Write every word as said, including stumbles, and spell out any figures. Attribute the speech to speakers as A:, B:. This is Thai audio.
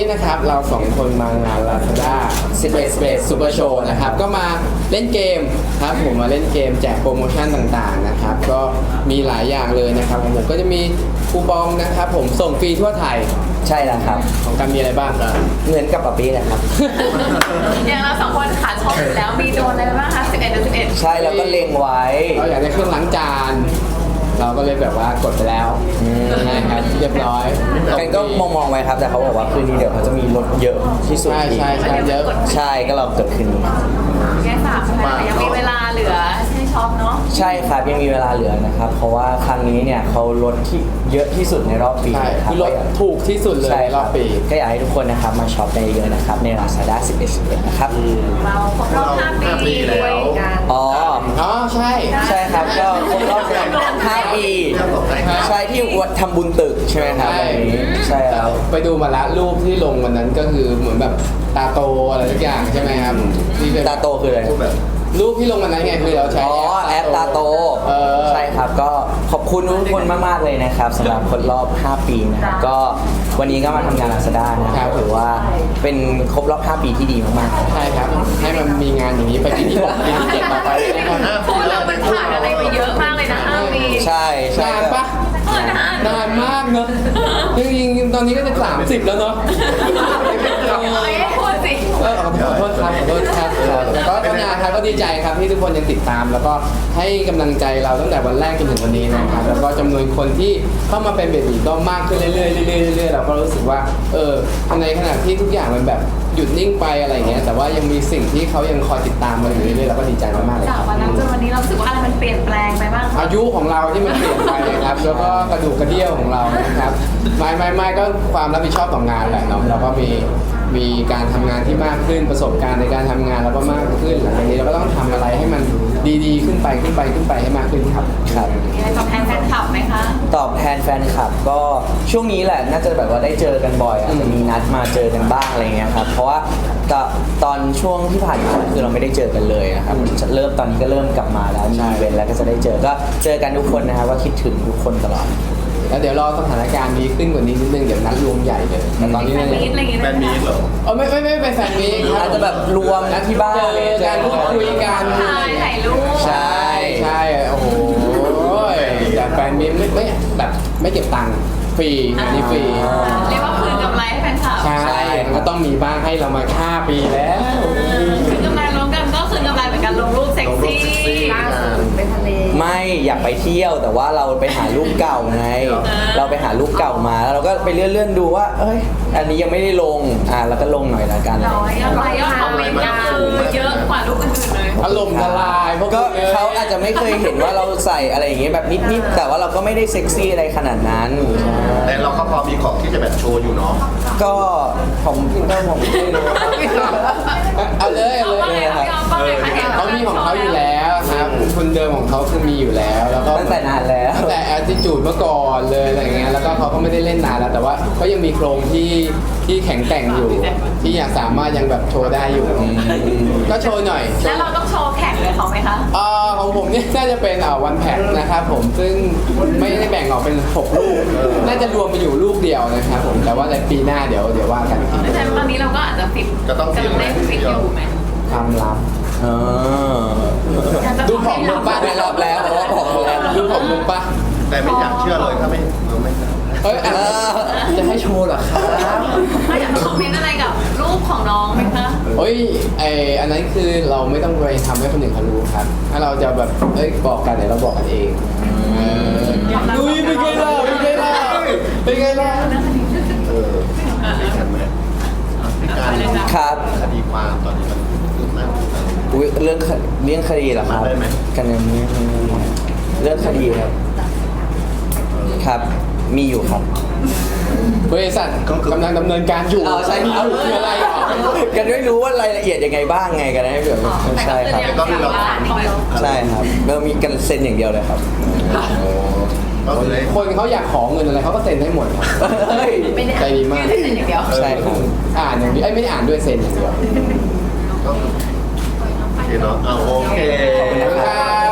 A: นะครับเราสองคนมางาน Lazada Space Space Super Show นะครับก็มาเล่นเกมครับผมมาเล่นเกมแจกโปรโมชั่นต่างๆนะครับก็มีหลายอย่างเลยนะครับของผมก็จะมีคูปองนะครับผมส่งฟรีทั่วไทย
B: ใช่แล้วครับ
A: ของกันมีอะไรบ้างครับ
B: เหมือนกับปะปี้นะครับ
C: อย่างเราสองคนขาชอบอยู่แล้วมีโดนอะไรบ้างคะสิบเอ็ดเดือนสิบเอ็ด
B: ใช่แล้วก็เล็งไว้
A: เราอยากได้เครื่องล้างจานเราก็เลยแบบว่ากดไปแล้วนะครับเรียบร้อย
B: กันก็มองมองไว้ครับแต่เขาบอกว่าคืนนี้เดี๋ยวเขาจะมีรถเยอะที่สุด
A: ใช่ใช่ใช่เยอะ
B: ใช่ก็เราเกิดคืนนี้
C: แค่สามใช่ไหมยังมีเวลาเหลือให้ช็อปเนาะ
B: ใช่ครับยังมีเวลาเหลือนะครับเพราะว่าครั้งนี้เนี่ยเขาลดที่เยอะที่สุดในรอบปีครับ
A: คือลดถูกที่สุดเลยในรอบปี
B: ก็อยากให้ทุกคนนะครับมาช็อปในเยอะนะครับใน Lazada สิบเอ็ด สิบเอ็ดนะครับ
C: เราครบรอบห้าปีด้วยกัน
B: อ๋อ
A: อ๋อใช่
B: ใช่ครับก็ครบรอบห้าปีใช่ที่วัดทำบุญตึกใช่ไหมครับวันนี้ใช่แล้ว
A: ไปดูมาละรูปที่ลงวันนั้นก็คือเหมือนแบบตาโตอะไรทุกอย่างใช่ไหมครับ
B: ตาโตคืออะไร
A: รูปที่ลงวันนั้นไงคือเราใช้
B: อ๋อแอปตาโตใช่ครับก็ขอบคุณทุกคนมากๆเลยนะครับสำหรับครบรอบห้าปีนะครับก็วันนี้ก็มาทำงาน Lazada นะครับถือว่าเป็นครบรอบห้าปีที่ดีมาก
A: ๆใช่ครับให้มันมีงานอย่างนี้ไปที่ที่หกปีที่เจ็ดต่อไป
C: นะครับพูดแล้วมันผ่านอะไรไปเยอะมากเลยนะห้าปี
B: ใช่ใช่
A: นานปะนานมากเนอะจริงๆตอนนี้ก็จะสามสิบแล้วเนอะ
C: พูดสิ
A: ขอโทษครับขอโทษครับก็ก็นานครับก็ดีใจครับที่ทุกคนยังติดตามแล้วก็ให้กำลังใจเราตั้งแต่วันแรกจนถึงวันนี้นะครับแล้วก็จำนวนคนที่เข้ามาเป็นเบบีก็มากขึ้นเรื่อยๆเรื่อยๆเรื่อยๆเราก็รู้สึกว่าเออในขณะที่ทุกอย่างมันแบบหยุดนิ่งไปอะไรเงี้ยแต่ว่ายังมีสิ่งที่เขายังคอยติดตามมาอยู่เรื่อยๆเราก็ดีใจมากๆเลย
C: จากวันนั้นจนวันนี้เราสึกว่าอะไรมันเปลี่ยนแปลงไปบ้าง
A: อายุของเราที่มันเปลี่ยนไปครับแล้วก็กระดูกกระเดี่ยวของเรานะครับไม่ไม่ไม่ก็ความรับผิดชอบต่องานแหละเนาะเราก็มีมีการทำงานที่มากขึ้นประสบการณ์ในการทำงานเราก็มากขึ้นหลังจากนี้เราก็ต้องทำอะไรให้มันดีๆขึ้นไปขึ้นไปขึ้นไปให้มากขึ้นครับ
B: ครับ
C: มีอะไรตอบแทนแฟนคลับไหมคะ
B: ตอบแทนแฟนคลับก็ช่วงนี้แหละน่าจะแบบว่าได้เจอกันบ่อยอาจจะมีนัดมาเจอกันบ้างอะไรเงี้ยครับเพราะว่าตอนช่วงที่ผ่านมาคือเราไม่ได้เจอกันเลยนะครับเริ่มตอนนี้ก็เริ่มกลับมาแล้วมีอีเวนต์แล้วก็จะได้เจอก็เจอกันทุกคนนะครับว่าคิดถึงทุกคนตลอด
A: แล้วเดี๋ยวรอสถานการณ์ดีขึ้นกว่านี้นิดนึงเดี๋ยวนัดรวมใหญ่เลยแต่ตอนนี้เนี่ย
C: แฟนมี
A: เหรอเออไม่ไม่ไม่เป็นแฟนมี
B: อาจจะแบบรวมนะที่บ้าน
A: เจอกันพูดคุยกัน
C: ถ่ายรูป
A: ใช่ใช่โอ้โหแต่แฟนมีไม่ไม่แบบไม่เก็บตังค์ฟรีอันนี้ฟรี
C: เรียกว่าคืนกำไรให้แฟนคลับ
A: ใช่ก็ต้องมีบ้างให้เรามาห้าปีแล้ว
C: คืนกำไรรวมกันก็คืนกำไรเหมือนกันลงรูปเซ็กซี่ล่าสุดไปทะเล
B: ไม่อยากไปเที่ยวแต่ว่าเราไปหารูปเก่าไงเราไปหารูปเก่ามาแล้วเราก็ไปเลื่อนๆดูว่าเอ้ยอันนี้ยังไม่ได้ลงอ่าแล้วก็ลงหน่อยละกัน
C: น้อยอะไรยอดคอมเมนต์ก็คือเยอะกว่ารูปอื่นๆเลย
A: อารมณ์ละลายเพราะ
B: ก็เขาอาจจะไม่เคยเห็นว่าเราใส่อะไรอย่างเงี้ยแบบนิดๆแต่ว่าเราก็ไม่ได้เซ็กซี่อะไรขนาดนั้น
D: แต่เราก็พอมีของที่จะแบบโชว์อยู่เนาะ
B: ก็ผมก็ผมไม่รู้
A: เอาเลยเอาเลย
C: ครับ
A: เขามีของเขาอยู่แล้วครับทุนเดิมของเขาคือมีอยู่แล้วแล้วก็
B: ตั้งแต่นานแล้ว
A: ตั้งแต่ attitude เมื่อก่อนเลยอะไรเงี้ยแล้วก็เขาก็ไม่ได้เล่นนานแล้วแต่ว่าก็ยังมีโครงที่ที่แข็งแกร่งอยู่ที่ยังสามารถยังแบบโชว์ได้อยู่ก็โชว์หน่อย
C: แล้วเราต้องโชว์แข่งเลยเขาไหมคะ
A: อ่าของผมเนี่ยน่าจะเป็นอ่าวันแพ็คนะครับผมซึ่งไม่ได้แบ่งออกเป็นหกลูกน่าจะรวมไปอยู่ลูกเดียวนะครับผมแต่ว่าในปีหน้าเดี๋ยวเดี๋ยวว่ากันที
C: แต่ตอนนี้เราก็อาจจะฟิต
D: ก็ต้องฟิต
C: ฟิตอยู่ไหม
A: ความลับ
B: ดูผมลงป้าในรอบแล้วเพราะว่าผมแล้ว
A: ดูผมลงป้า
D: แต่ไม่อยากเชื่อเลยถ้าไม่ไม่
A: เอ้ยจะให้โชว์เหรอครับ
C: อยากคอมเมนต์อะไรกับรูปของน้องไหมคะ
A: เฮ้ยไออันนั้นคือเราไม่ต้องไปทำให้คนอื่นเขารู้ครับถ้าเราจะแบบเอ้ยบอกกันเดี๋ยวเราบอกกันเองดูเป็นไงล่ะเป็นไงล่ะเป็นไงล่ะ
D: เออเป็นกันไหมการ
B: ครับ
D: คดีความตอนนี้มันคืบหน้า
B: อุ้ยเรื่องเรื่องคดีเหรอครับกันยังไม่เรื่องคดีครับครับมีอยู่ครับ
A: บริษัทกำลังดำเนินการอยู่
B: ใช่ครับ
A: คืออะไร
B: กันไม่รู้ว่ารายละเอียดยังไงบ้างไงกันให้แบบใช่ครับใช่ครับเรามีกันเซ็นอย่างเดียวเลยครับ
A: คนเขาอยากขอเงินอะไรเขาก็เซ็นให้หมดใจดีมาก
B: ใช่ครับ
A: อ่านอย่างเดียวไม่ได้อ่านด้วยเซ็นอย่างเดียว
D: โอเคเนาะเอาโอเค
A: ขอบคุณครับ